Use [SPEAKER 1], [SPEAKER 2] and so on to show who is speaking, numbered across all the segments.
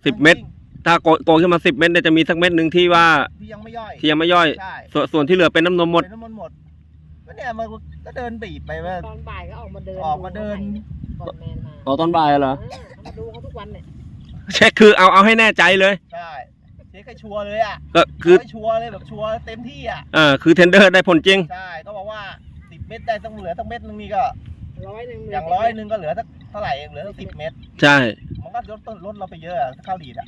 [SPEAKER 1] 10 เม็ดถ้าโกงขึ้นมา10 เม็ดเนี่ยจะมีสักเม็ดหนึ่งที่ว่า
[SPEAKER 2] ที่ยังไม่ย่อย
[SPEAKER 1] ใช่ส่วนที่เหลือเป็นน้ำนมหมด
[SPEAKER 2] ก็เนี่ยมันก็เดินบีบไปว่า
[SPEAKER 3] ตอนบ่ายก็ออกมาเดินก่อนแมนมา
[SPEAKER 1] ตอนบ่ายเหรอ
[SPEAKER 3] มาดูเขาทุกวันเนี่ย
[SPEAKER 1] เช็คคือเอาให้แน่ใจเลย
[SPEAKER 2] ใช่เช็คให้ชัวร์เลยอ่ะ
[SPEAKER 1] ก็คือ
[SPEAKER 2] ชัวร์เลยแบบชัวร์เต็มที่อ่ะ
[SPEAKER 1] คือเทนเดอร์ได้ผลจริง
[SPEAKER 2] ใช่ก็บอกว่า10 เม็ดได้ต้องเหลือสักเม็ดนึงนี่ก็
[SPEAKER 3] 100
[SPEAKER 2] อย่าง100ก็เหลือสักเท่าไหร่เองเหลือสัก10 เม็ด
[SPEAKER 1] ใช่
[SPEAKER 2] มันก็ลดเราไปเยอะข้าวดีดอ่ะ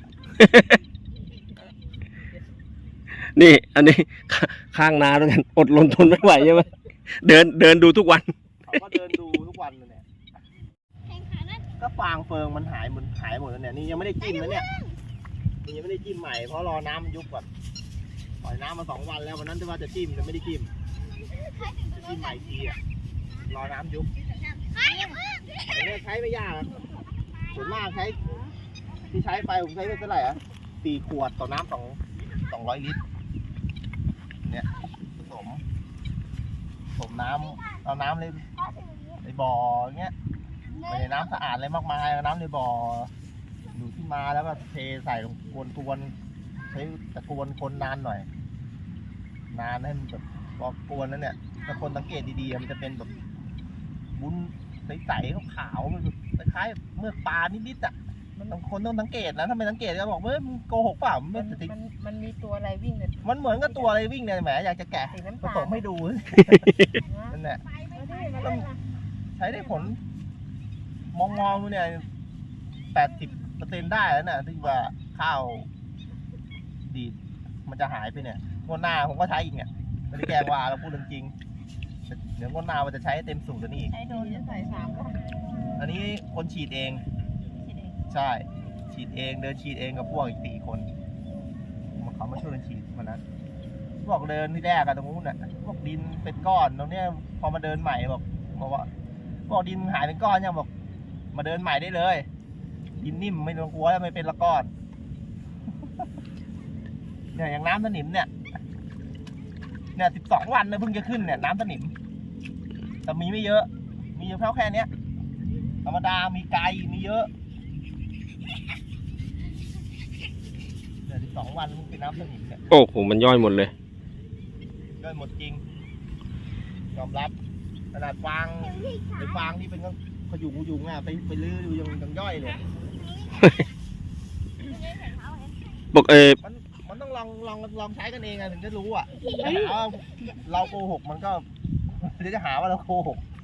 [SPEAKER 1] นี่อันนี้ข้างนาด้วยกันอดทนไม่ไหวใช่ไหมเดินดูทุกวัน
[SPEAKER 2] เขาก็เดินดูทุกวันเลยเนี่ยก็ฟางเฟิงมันหายหมดแล้วเนี่ยนี่ยังไม่ได้จิ้มนะเนี่ยยังไม่ได้จิ้มใหม่เพราะรอน้ำมันยุบก่อนปล่อยน้ำมา2 วันแล้ววันนั้นที่ว่าจะจิ้มแต่ไม่ได้จิ้มใหม่ทีอ่ะรอน้ำยุบเนี่ยใช้ไม่ยากส่วนมากที่ใช้ไปผมใช้ไปเท่าไหร่อ่ะ4 ขวดต่อน้ำ200 ลิตรเนี่ยผสมน้ำเอาน้ำเลยในบ่อเงี้ยไม่ได้น้ำสะอาดอะไรมากมายน้ำในบ่ออยู่ที่มาแล้วก็เทใส่ลงกวนใช้ตะกวนคนนานหน่อยนานให้มันแบบพอกวนแล้วเนี่ยถ้าคนสังเกตดีๆมันจะเป็นแบบวุ้นใสๆขาวๆมันคล้ายๆเมือกปลานิดๆอ่ะคนต้องสังเกตนะถ้าไม่สังเกตก็บอกว่ามึงโกหกเปล่า
[SPEAKER 3] มันมีตัวอะไรวิ่งเนี่ย
[SPEAKER 2] มันเหมือนกับตัวอะไรวิ่งเนี่ยแหมอยากจะแกะผสมให้ดูนั่นแหละใช้ได้ผลมองดูเนี่ย80%ได้แล้วเนี่ยที่ว่าข้าวดีดมันจะหายไปเนี่ยงวดหน้าผมก็ใช้อีกเนี่ยไม่ได้แกล้งว่าเราพูดจริงเดี๋ยวงวดหน้ามันจะใช้เต็มสูตรตัวนี้อีก
[SPEAKER 3] ใช้โดนจะใส่3
[SPEAKER 2] อันนี้คนฉีดเองใช่ฉีดเองเดินฉีดเองกับพวกอีก4 คนเขามาช่วยกันฉีดวันนั้นบอกเดินที่แรกกันตรงนู้นน่ะพวกดินเป็นก้อนตรงเนี้ยพอมาเดินใหม่บอกดินหายเป็นก้อนยังบอกมาเดินใหม่ได้เลยดินนิ่มไม่ต้องกลัวแล้วไม่เป็นละก้อนเนี่ยอย่างน้ำสนิมเนี่ย12 วันนะเพิ่งจะขึ้นเนี่ยน้ำสนิมแต่มีไม่เยอะมีเท่าแค่เนี้ยธรรมดามีไกลมีเยอะ12 วันมันเป็นน้ำสนิมเนี่ย
[SPEAKER 1] โอ้โหมันย่อยหมดเลย
[SPEAKER 2] ย่อยหมดจริงยอมรับขนาดฟางที่เป็นขยุงอ่ะไปลื้อดูยังย่อยเลย
[SPEAKER 1] บอก
[SPEAKER 2] มันต้องลองใช้กันเองอ่ะถึงจะรู้อ่ะถ้าหาว่าเราโกหกมันก็จะหาว่าเราโกหก